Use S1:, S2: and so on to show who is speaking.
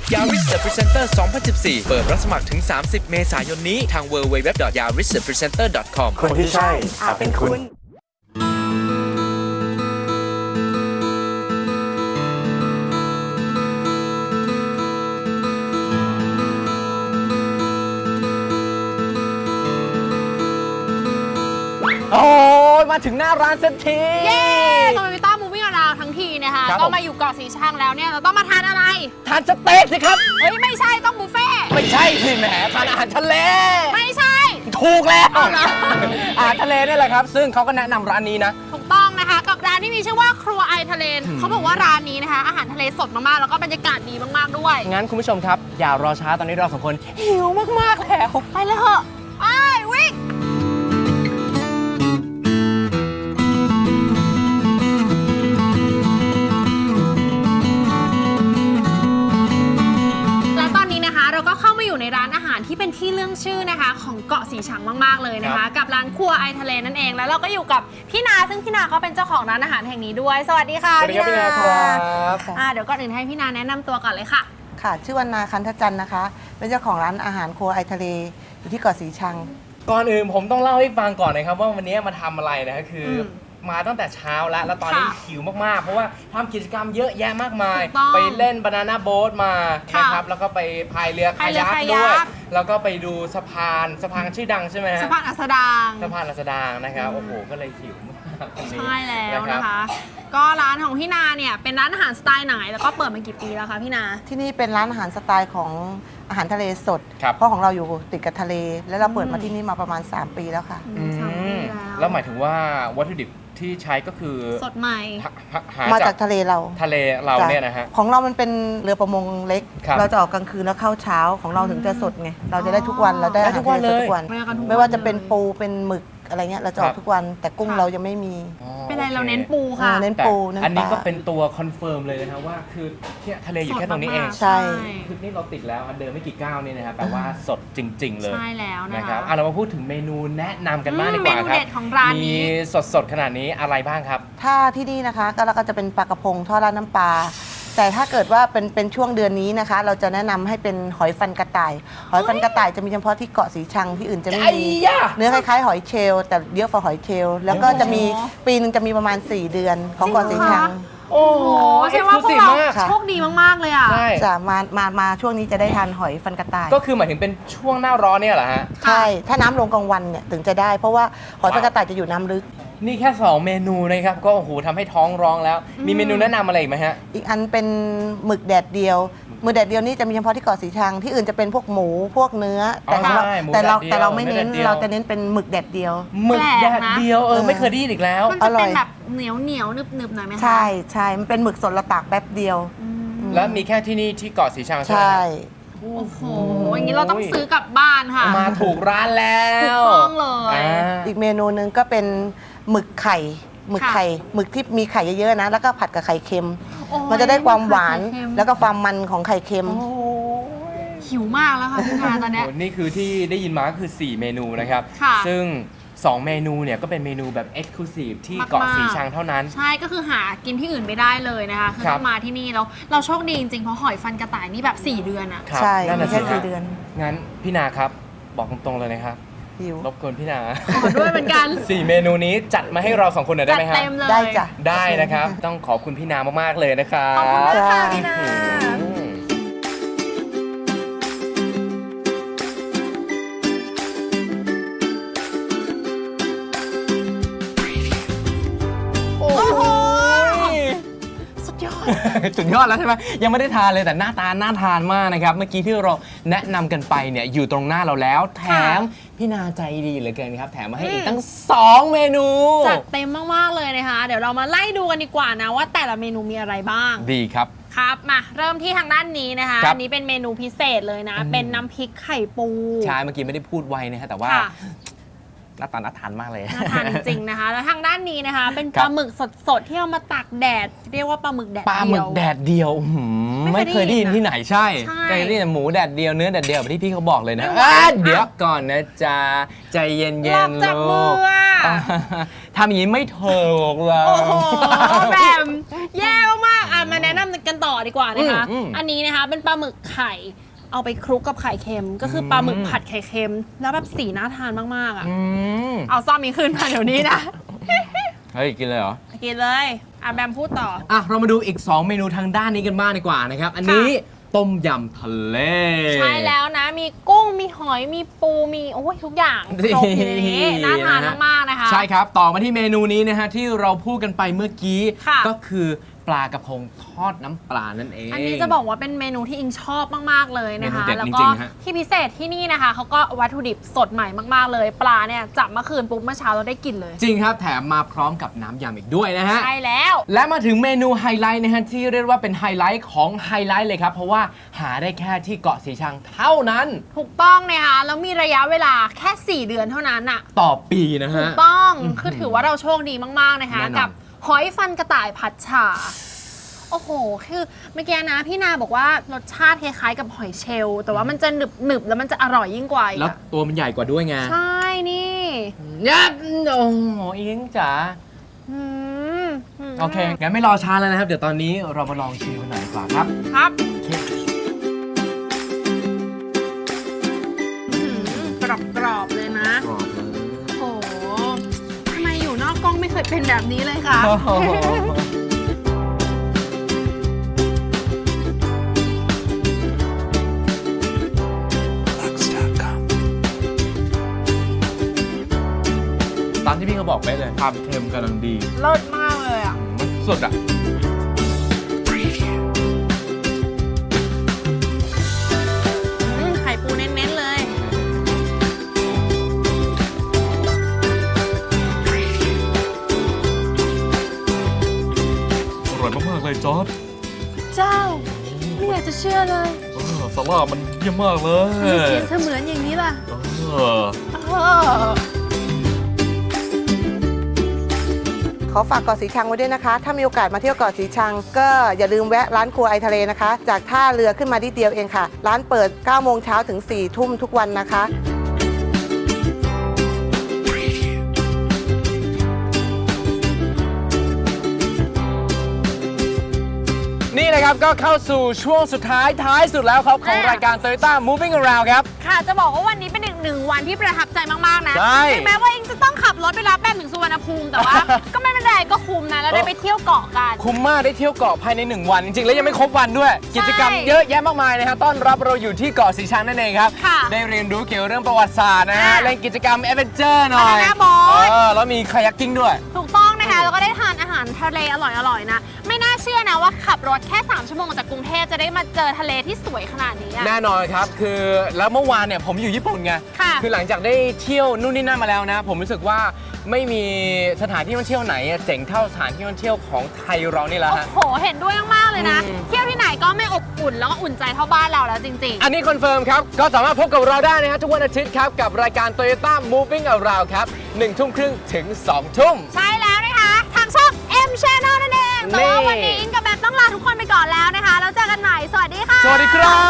S1: Yaris The Presenter 2014 เปิดรับสมัครถึง 30 เมษายนนี้ทาง www.yaristhepresenter.com
S2: คนที่ใช่อาจเป็นคุณ
S3: โอ้ยมาถึงหน้าร้านสักที
S4: เย้ตอนวิต้ามูวิ่งอราวทั้งทีนะคะ
S3: ครับ
S4: ก็มาอยู่เกาะสีชังแล้วเนี่ยเราต้องมาทานอะไร
S3: ทานสเต็กสิครับ
S4: เฮ้ยไม่ใช่ต้องบุฟเฟ่ต์
S3: ไม่ใช่สิแหมทานอาหารทะเล
S4: ไม่ใช่
S3: ถูกแล้ว
S4: เอาเหรอ
S3: อาหารทะเลนี่แหละครับ ซึ่งเขาก็แนะนำร้านนี้นะ
S4: ถูกต้องนะคะกับร้านที่มีชื่อว่าครัวไอทะเลเขาบอกว่าร้านนี้นะคะอาหารทะเลสดมากๆแล้วก็บรรยากาศดีมากๆด้วย
S3: งั้นคุณผู้ชมครับ อย่ารอช้าตอนนี้เราสองคนหิวมากๆแล้ว
S4: ไปเลยเหอะไปวิ่งและตอนนี้นะคะเราก็เข้ามาอยู่ในร้านอาหารที่เป็นที่เรื่องชื่อนะคะของเกาะสีชังมากๆเลยนะคะกับร้านครัวไอทะเลนั่นเองแล้วเราก็อยู่กับพี่นาซึ่งพี่นาเขาเป็นเจ้าของร้านอาหารแห่งนี้ด้วยสวัสดีค่ะ
S3: สวัสดีครับพี่นาครับ
S4: เดี๋ยวก่อนอื่นให้พี่นาแนะนำตัวก่อนเลยค่ะ
S5: ค่ะชื่อวรรณาคันทจันทร์นะคะ เป็นเจ้าของร้านอาหารครัวไอทะเลอยู่ที่เกาะสีชัง
S3: ก่อนอื่นผมต้องเล่าให้ฟังก่อนนะครับว่าวันนี้มาทำอะไรนะคืออ
S4: ม
S3: มาตั้งแต่เช้าแล้วตอนนี้
S4: ค่ะ
S3: หิวมากๆ เพราะว่าทำกิจกรรมเยอะแยะมากมาย
S4: ถูกต้อง
S3: ไปเล่นบานาน่าโบ๊ทมา
S4: ค่ะ
S3: นะครับแล้วก็ไปพายเรือคายัก
S4: พายเรือคายัก
S3: ด้วย แล้วก็ไปดูสะพานชื่อดังใช่ไหมฮะ
S4: สะพานอัสดาง
S3: สะพานรัศดางนะครับโอ้โหก็เลยหิวมากตรงนี้
S4: ใช่แล้ว
S3: รับ
S4: นะคะ ก็ร้านของพี่นาเนี่ยเป็นร้านอาหารสไตล์ไหนแล้วก็เปิดมากี่ปีแล้วคะพี่นา
S5: ที่นี่เป็นร้านอาหารสไตล์ของอาหารทะเลสด
S3: ครับ
S5: เพราะของเราอยู่ติดกับทะเล แล้วเราเปิดมาที่นี่มาประมาณ 3 ปีแล้วค่ะ
S4: สามปี
S3: แล้วหมายถึงว่าวัตถุดิบที่ใช้ก็คือ
S4: สดใหม่
S3: หา
S5: มา
S3: จา
S5: จาก กทะเลเรา
S3: ทะเลเรา
S5: จ้ะ
S3: เนี่ยนะฮะ
S5: ของเรามันเป็นเรือประมงเล็ก
S3: ครับ
S5: เราจะออกกลางคืนแล้วเข้าเช้าของเราถึงจะสดไง เราจะได้ทุกวันเราได้อาหารทะเลสดทุกวัน
S4: ได้ทุกวันเลย
S5: ไม่ว่าจะเป็นปูเป็นหมึกอะไรเงี้ยเราจะออก
S3: ครับ
S5: ทุกวัน แต่กุ้ง
S4: ค่ะ
S5: เรายังไม่มี
S4: เป็นไร
S3: โอค
S4: เราเน้นปูค่ะ
S5: เน้น
S3: แต่
S5: ปูเน้น
S3: อันนี้
S5: ปลา
S3: ก็เป็นตัวคอนเฟิร์มเลยนะครับว่าคือเนี่ยทะเลอยู่แค่ตรงนี้เอง
S4: สดมากๆ
S5: ใช่
S3: คือนี่เราติดแล้วเดินไม่กี่ก้าวนี่นะครับแปลว่าสดจริง ๆ เลย
S4: ใช่แล้วนะ
S3: นะครับ
S4: คะ
S3: เรามาพูดถึงเมนูแนะนำกันบ้างดีกว่า
S4: เมนู
S3: ครับ
S4: เด็ดของร้านนี้
S3: มีสดๆขนาดนี้อะไรบ้างครับ
S5: ถ้าที่นี่นะคะก็เราก็จะเป็นปลากระพงทอดราดน้ำปลาแต่ถ้าเกิดว่าเป็นช่วงเดือนนี้นะคะ เราจะแนะนำให้เป็นหอยฟันกระต่าย หอยฟันกระต่ายจะมีเฉพาะที่เกาะสีชังที่อื่นจะไม่
S3: ไอ้
S5: มี
S3: ยะ
S5: เนื้อคล้ายๆหอยเชลล์แต่เยอะกว่าหอยเชลล์แล้วก็จะมีปีนึงจะมีประมาณ 4 เดือนของเกาะสีชัง
S3: โอ้โห
S4: โอ้ใช่ว่าพวก
S3: exclusive
S4: เรา
S3: มาก
S5: ค่ะ
S4: โชคดีมากๆเลยอ่ะ
S3: ใช่
S5: จะมาช่วงนี้จะได้ทานหอยฟันกระต่าย
S3: ก็คือหมายถึงเป็นช่วงหน้าร้อนเนี่ยเหรอฮะ
S5: ใช่ถ้าน้ำลงกลางวันเนี่ยถึงจะได้ เพราะว่าหอยฟันกระต่ายจะอยู่น้ำลึก
S3: นี่แค่ 2 เมนูนะครับก็โอ้โหทำให้ท้องร้องแล้ว มีเมนูแนะนำอะไรอีกไหมฮะ
S5: อีกอันเป็นหมึกแดดเดียวหมึกแดดเดียวนี่จะมีเฉพาะที่เกาะสีชังที่อื่นจะเป็นพวกหมูพวกเนื้อแต่ของเรา
S3: ใช่หมู
S5: แต่เรา
S3: แดดเดียว
S5: แต่เราไม่เน้น
S3: เนื้อแดดเดียว
S5: เราจะเน้นเป็นหมึกแดดเดียว
S3: หมึกแดด
S4: แปลกนะ
S3: เดียวไม่เคยได้ยินอีกแล้ว
S4: มันจะ
S5: อร่
S4: เป็
S5: อน ย
S4: แบบเหนียวหนึบๆหน่อยไหมคะ
S5: ใช่ใช่มันเป็นหมึกสดเราตากแป๊บเดียว
S4: อืม
S3: แล้วมีแค่ที่นี่ที่เกาะสีชังใช่ไหม
S5: ใช่
S3: ฮะ
S4: โอ้โหอย่างนี้เราต้องซื้อกลับบ้านค่ะ
S3: มาถูกร้านแล้ว
S4: ถูกต้องเลย
S3: อ่า
S5: อีกเมนูหนึงก็เป็นหมึกไข่หมึกไข่หมึกที่มีไข่เยอะๆนะแล้วก็ผัดกับไข่เค็ม
S4: โอ้ย
S5: มันจะได้ความหวาน
S4: ไข่เค็ม
S5: แล้วก็ความมันของไข่เค็ม
S4: หิวมากแล้วค่ะพี่นาตอนเนี้ย
S3: โอ้นี่คือที่ได้ยินมาก็คือ 4 เมนูนะครับ
S4: ค่ะ
S3: ซึ่ง 2 เมนูเนี่ยก็เป็นเมนูแบบ Exclusive ที่เกาะ
S4: มากๆ
S3: สีชังเท่านั้น
S4: ใช่ก็คือหากินที่อื่นไม่ได้เลยนะคะคือ
S3: ครับ
S4: ต้องมาที่นี่แล้วเราโชคดีจริงๆเพราะหอยฟันกระต่ายนี่แบบ 4 เดือนอะ
S3: ครับ
S5: ใช่
S3: นั่น
S5: มี
S3: น่ะ
S5: แค่
S3: สิ
S5: 4 เดือน
S3: งั้นพี่นาครับ บอกตรงๆเลยนะครับ
S5: หิว
S3: รบกวนพี่นา
S4: ขอด้วยเหมือนกัน
S3: 4 เมนูนี้จัดมาให้เรา 2 คนหน่อยได้
S4: จัด
S3: ไหมครับ
S4: เต็มเลย
S5: ได้จ้ะ
S3: ได้นะครับ ต้องขอบคุณพี่นามากๆเลยนะครับ
S4: ขอบคุณมากค่ะ
S5: จ้า
S4: พี่นา
S3: โอ้โห
S4: สุดยอด
S3: สุดยอดแล้วใช่ไหมยังไม่ได้ทานเลยแต่หน้าตาน่าทานมากนะครับ เมื่อกี้ที่เราแนะนำกันไปเนี่ยอยู่ตรงหน้าเราแล้ว แถมพี่นาใจดีเหลือเกินครับ แถมมาให้อีกตั้ง 2 เมนู
S4: จัดเต็มมาก ๆ เลยนะคะ เดี๋ยวเรามาไล่ดูกันดีกว่านะว่าแต่ละเมนูมีอะไรบ้าง
S3: ดีครับ
S4: ครับ มาเริ่มที่ทางด้านนี้นะคะ
S3: ครับ
S4: อันนี้เป็นเมนูพิเศษเลยนะ เป็นน้ำพริกไข่ปู
S3: ใช่เมื่อกี้ไม่ได้พูดไวนะฮะแต่ว่า
S4: ค่ะ
S3: หน้าตาน่าทานมากเลย
S4: น่าทานจริงๆนะคะ แล้วทางด้านนี้นะคะ เป็น
S3: ค
S4: ป
S3: รับ
S4: ลาหมึกสดๆที่เอามาตากแดด เรียกว่าปลาหมึกแดด
S3: ปลาหมึกแดดเดียวอื้อหือ
S4: ไม่
S3: ไม่
S4: เค
S3: เค
S4: ย
S3: ย
S4: ได้
S3: ได้
S4: ยิ
S3: ยิ
S4: น
S3: น
S4: นะ
S3: ที่ไหนใช่
S4: ใช่
S3: เคยได้ยินแต่หมูแดดเดียวเนื้อแดดเดียวแบบที่พี่เขาบอกเลยนะ
S4: ไม่ไหว
S3: เดี๋ยวก่อนนะจ๊ะใจเย็น
S4: หลอก
S3: ๆ
S4: จากมื
S3: ลู
S4: อกอะ
S3: ทำอย่างนี้ไม่ถูกเล
S4: โอ้
S3: ย
S4: โหแบบแย่มากๆอ่ะมาแนะนำกันต่อดีกว่านะคะ
S3: อืม
S4: อันนี้นะคะเป็นปลาหมึกไข่เอาไปคลุกกับไข่เค็ม ก็คือปลาหมึกผัดไข่เค็ม แล้วแบบสีน่าทานมากๆอ่ะ เอาซ่อมมีขึ้นมาเดี๋ยวนี้นะ
S3: เฮ้ยกินเลยเหรอ
S4: กินเลยแบมพูดต่อ
S3: อ่ะเรามาดูอีก 2 เมนูทางด้านนี้กันบ้างดีกว่านะครับ อันนี้ต้มยำทะเล
S4: ใช่แล้วนะ มีกุ้ง มีหอย มีปู มีโอ้ยทุกอย่างครบอยู่ในนี้น่าทานมากๆนะคะ
S3: ใช่ครับ ต่อมาที่เมนูนี้นะฮะที่เราพูดกันไปเมื่อกี้
S4: ค่ะ
S3: ก็คือปลากระพงทอดน้ำปลานั่นเอง
S4: อันนี้จะบอกว่าเป็นเมนูที่อิงชอบมากๆเลยนะคะ
S3: เมนูเด็ด
S4: แล้ว
S3: จ
S4: ก็
S3: ริงๆฮะ
S4: ที่พิเศษที่นี่นะคะเขาก็วัตถุดิบสดใหม่มากๆเลย ปลาเนี่ยจับเมื่อคืนปุ๊บเมื่อเช้าเราได้กินเลย
S3: จริงครับแถมมาพร้อมกับน้ำยำอีกด้วยนะฮะ
S4: ใช่แล้ว
S3: และมาถึงเมนูไฮไลท์นะฮะที่เรียกว่าเป็นไฮไลท์ของไฮไลท์เลยครับ เพราะว่าหาได้แค่ที่เกาะสีชังเท่านั้น
S4: ถูกต้องนะคะแล้วมีระยะเวลาแค่ 4 เดือนเท่านั้นอะ
S3: ต่อปีนะ
S4: ถู
S3: ฮะ
S4: กต้องคือถือว่าเราโชคดีมากๆนะคะ
S3: แน่นอน
S4: กับหอยฟันกระต่ายผัดฉ่าโอ้โห คือเมื่อกี้นะพี่นาบอกว่ารสชาติคล้ายๆกับหอยเชลล์แต่ว่ามันจะหนึบๆแล้วมันจะอร่อยยิ่งกว่าอีก
S3: แล้ว
S4: อะ
S3: ตัวมันใหญ่กว่าด้วยไง
S4: ใช่นี่
S3: ยับโอ้โหอิงจ๋า
S4: อืม
S3: โอเค งั้นไม่รอช้าแล้วนะครับ เดี๋ยวตอนนี้เรามาลองชิมกันหน่อยดีกว่าครับ
S4: ครับ
S3: โอเค
S4: กรอบๆเลยนะ
S3: กรอบเลย
S4: โอ้โหทำไมอยู่นอกกล้องไม่เคยเป็นแบบนี้เลยคะ
S3: โอ้โหตามที่พี่เขาบอกไปเลยความเค็มกำลังดี
S4: เลิศมากเลยอ่ะ
S3: มันสุดอ่ะ
S4: ไข่ปูเน้นๆเลย
S2: อร่อยมากๆเลยจอร์ด
S4: เจ้า ไม่อยากจะเชื่อเลย
S2: ซาร่ามันเยี่ยมมากเลย
S4: ทำไมเสียงเธอเหมือนอย่างนี้ล่ะ
S2: เออ
S5: ขอฝากเกาะสีชังไว้ด้วยนะคะ ถ้ามีโอกาสมาเที่ยวเกาะสีชัง ก็อย่าลืมแวะร้านครัวไอทะเลนะคะ จากท่าเรือขึ้นมานิดเดียวเองค่ะ ร้านเปิด 9 โมงเช้าถึง 4 ทุ่มทุกวันนะคะ
S3: นี่นะครับก็เข้าสู่ช่วงสุดท้ายสุดแล้วครับของรายการ Toyota Moving Around ครับ
S4: ค่ะ จะบอกว่าวันนี้เป็นอีกหนึ่งวันที่ประทับใจมากๆนะ
S3: ใช่
S4: ถึงแม้ว่าเองจะต้องขับรถไปรับแป้งถึงสุวรรณภูมิ แต่ว่า ก็ไม่เป็นไรก็คุ้มนะ แล้วได้ไปเที่ยวเกาะกัน
S3: คุ้มมากได้เที่ยวเกาะภายใน 1 วันจริงๆ แล้วยังไม่ครบวันด้วย กิจกรรมเยอะแยะมากมายนะฮะต้อนรับเราอยู่ที่เกาะสีชังนั่นเองครับ
S4: ค่ะ
S3: ได้เรียนรู้เกี่ยวเรื่องประวัติศาสตร์นะฮะ
S4: อ่ะ
S3: เล่นกิจกรรมแอดเวนเจอร์หน่อย
S4: Banana boat
S3: แล้วมีคายักกิ้งด้วย
S4: ถูกต้องนะคะ แล้วก็ได้ทานอาหารทะเลอร่อยๆนะ ไม่น่าเชื่อนะว่าขับรถแค่ 3 ชั่วโมงจากกรุงเทพจะได้มาเจอทะเลที่สวยขนาดนี้อะ
S3: แน่นอนครับคือแล้วเมื่อวานเนี่ยผมอยู่ญี่ปุ่นไง
S4: ค่ะ
S3: คือหลังจากได้เที่ยวนู่นนี่นั่นมาแล้วนะ ผมรู้สึกว่าไม่มีสถานที่ท่องเที่ยวไหนเจ๋งเท่าสถานที่ท่องเที่ยวของไทยเรานี่แหละ
S4: โอ้
S3: ฮะ
S4: โห เห็นด้วยมากๆเลยนะ
S3: อืม
S4: เที่ยวที่ไหนก็ไม่อบอุ่นแล้วก็อุ่นใจเท่าบ้านเราแล้วจริงๆ
S3: อันนี้คอนเฟิร์มครับ ก็สามารถพบกับเราได้นะฮะทุกวันอาทิตย์ครับ กับรายการ Toyota Moving Around ครับ 1 ทุ่มครึ่งถึง 2 ทุ่ม
S4: ใช่แล้วนะคะ ทางช่อง M Channel นั่นเอง แต่ว่าวันนี้อิงกับแบมต้องลาทุกคนไปก่อนแล้วนะคะ แล้วเจอกันใหม่ สวัสดีค่ะ
S3: สวัสดีครับ